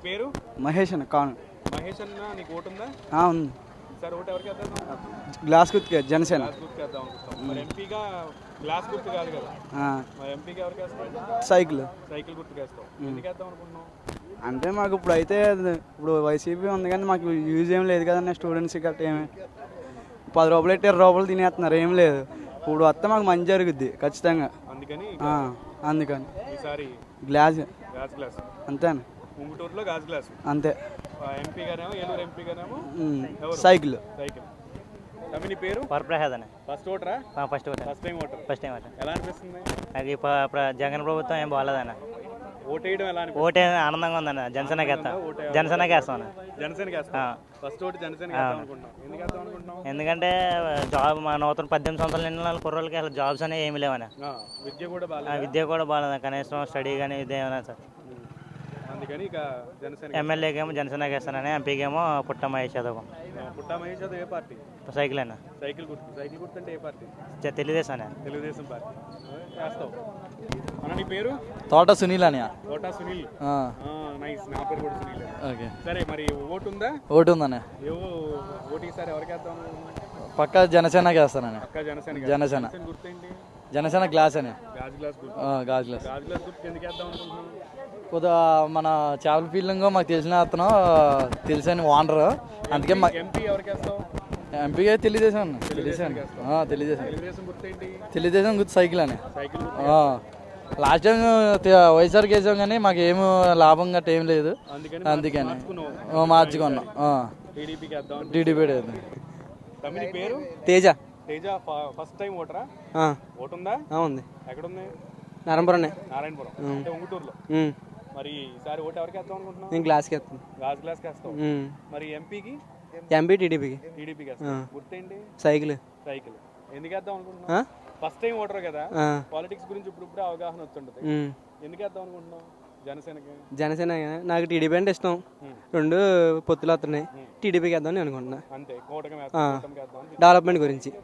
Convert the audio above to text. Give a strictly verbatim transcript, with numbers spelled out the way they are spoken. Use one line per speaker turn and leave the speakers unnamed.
పేరు
మహేష్ అన్న కాను.
మహేష్ అన్న, నీకు ఓటు ఉందా?
ఉంది.
సార్ ఓటు ఎవరికి వేద్దాం?
గ్లాస్ గుర్తుకే జనసేన.
గ్లాస్ గుర్తుకు వేద్దాం అనుకుంటాం. మరి ఎంపీగా గ్లాస్ గుర్తు కాదు కదా, మరి ఎంపీగా ఎవరికి వేస్తాం?
సైకిల్.
సైకిల్ గుర్తుకు వేస్తాం. ఎందుకు వేద్దాం అనుకుంటున్నాం?
అంటే మాకు ఇప్పుడు అయితే ఇప్పుడు వైసీపీ ఉంది కానీ మాకు యూజ్ ఏం లేదు కదన్న. స్టూడెంట్స్ గట్రా ఏమి పది రూపాయలు ఎట్టి ఇరవై రూపాయలు తినేస్తున్నారు, ఏం లేదు. ఇప్పుడు వస్తే మాకు మంచి జరుగుద్ది ఖచ్చితంగా.
అందుకని
అందుకని
ఈసారి
గ్లాస్
గాజు గ్లాస్
అంతేనా?
ముంగుటూరులో గాజు గ్లాస్
అంతే.
ఎంపీ గానేమో ఏలూరు ఎంపీ గానేమో
సైకిల్.
సైకిల్. తమ్మి నీ పేరు?
వరప్రసాద్ అన్న.
ఫస్ట్ ఓటరా?
First voter.
First time voter.
First time voter.
ఎలా అనిపిస్తుంది?
అది జగన్ ప్రభుత్వం ఏం బాగాలేదన్న.
ఓటేయడం ఎలా అనిపిస్తుంది?
ఓటే ఆనందంగా ఉందన్న. జనసేనకి వేస్తాం. జనసేనకి వేస్తాం అన్న.
జనసేనకి వేస్తాం. ఫస్ట్ ఓటు జనసేనకి వేద్దాం అనుకుంటున్నాం. ఎందుకు వేద్దాం అనుకుంటున్నాం?
ఎందుకంటే జాబ్ మా నూతన పద్దెనిమిది సంవత్సరాల నిన్న కుర్రోళ్ళకి అసలు జాబ్స్ అనేవి ఏమి లేవన్న.
విద్య కూడా బాగా
విద్య కూడా బాగాలేదు, కనీసం స్టడీ కానీ ఇదేమన్నా సార్.
అందుకని ఇక జనసేన.
ఎమ్మెల్యేకి ఏమో జనసేనకి వేస్తానని, ఎంపీకి ఏమో పుట్ట మహేష్ యాదవ్.
పుట్ట మహేష్ యాదవ్ ఏ పార్టీ?
సైకిల్ అన్న.
సైకిల్ గుర్తు. సైకిల్ గుర్తు అంటే ఏ పార్టీ?
తెలుగుదేశం అన్న.
తెలుగుదేశం పార్టీ వేస్తావు. అన్న నీ పేరు?
తోట సునీల్ అని.
తోట సునీల్. నైస్. నా పేరు కూడా సునీల్. ఓకే. సరే, మరి ఓటు ఉందా?
ఓటు ఉందన్న.
ఏవో ఓటు ఈసారి ఎవరికి వేద్దాం?
పక్క జనసేనకి వేస్తానని.
పక్క జనసేన.
జనసేన.
గుర్తేంటి?
జనసేన గ్లాస్ అని.
గాజు గ్లాస్ గుర్తు.
గాజు గ్లాస్.
గాజు గ్లాస్ గుర్తు ఎందుకు వేద్దాం అనుకుంటున్నాం?
కొద్దిగా మన చేపల ఫీల్డింగ్ మాకు తెలిసిన అతను తెలిసిన ఓనర్, అందుకే మా
ఎంపీ ఎవరికి వేస్తావు?
ఎంపీగా తెలియజేసాం అన్న. తెలియజేసాను తెలియజేసాను
తెలుగుదేశం గుర్తేంటి?
తెలియజేసాం గుర్తు సైకిల్ అని.
సైకిల్.
లాస్ట్ టైం వైఎస్ఆర్కి వేసాం కానీ మాకు ఏమి లాభం గట్ట ఏం లేదు, అందుకని మార్చుకున్నాం.
టీడీపీకి వేద్దాం.
టీడీపీ.
తమ్మి పేరు?
తేజ.
తేజ ఫస్ట్ టైం ఓటరా? ఓటు ఉందా?
ఉంది.
ఎక్కడుంది?
నారాయణపురం.
నారాయణపురం అంటే ఉంగుటూరులో. మరి ఈసారి ఓటు ఎవరికి వేద్దాం అనుకుంటున్నాం?
నేను గ్లాస్కి వేస్తాను.
గాజు గ్లాస్కి వేస్తాం. మరి ఎంపీకి?
ఎంపీ టీడీపీకి.
టీడీపీకి వేస్తాం. గుర్తేంటి?
సైకిల్.
సైకిల్. ఎందుకు వేద్దాం అనుకుంటున్నాం? ఫస్ట్ టైం ఓటర్ కదా, పాలిటిక్స్ గురించి ఇప్పుడు ఇప్పుడు అవగాహన వస్తుంటది. ఎందుకు వేద్దాం అనుకుంటున్నాం? జనసేనకి.
జనసేన. నాకు టీడీపీ అంటే ఇష్టం. రెండు పొత్తులు వస్తున్నాయి, టీడీపీకి వేద్దామని అనుకుంటున్నా.
అంతే. కూటమి
డెవలప్మెంట్ గురించి.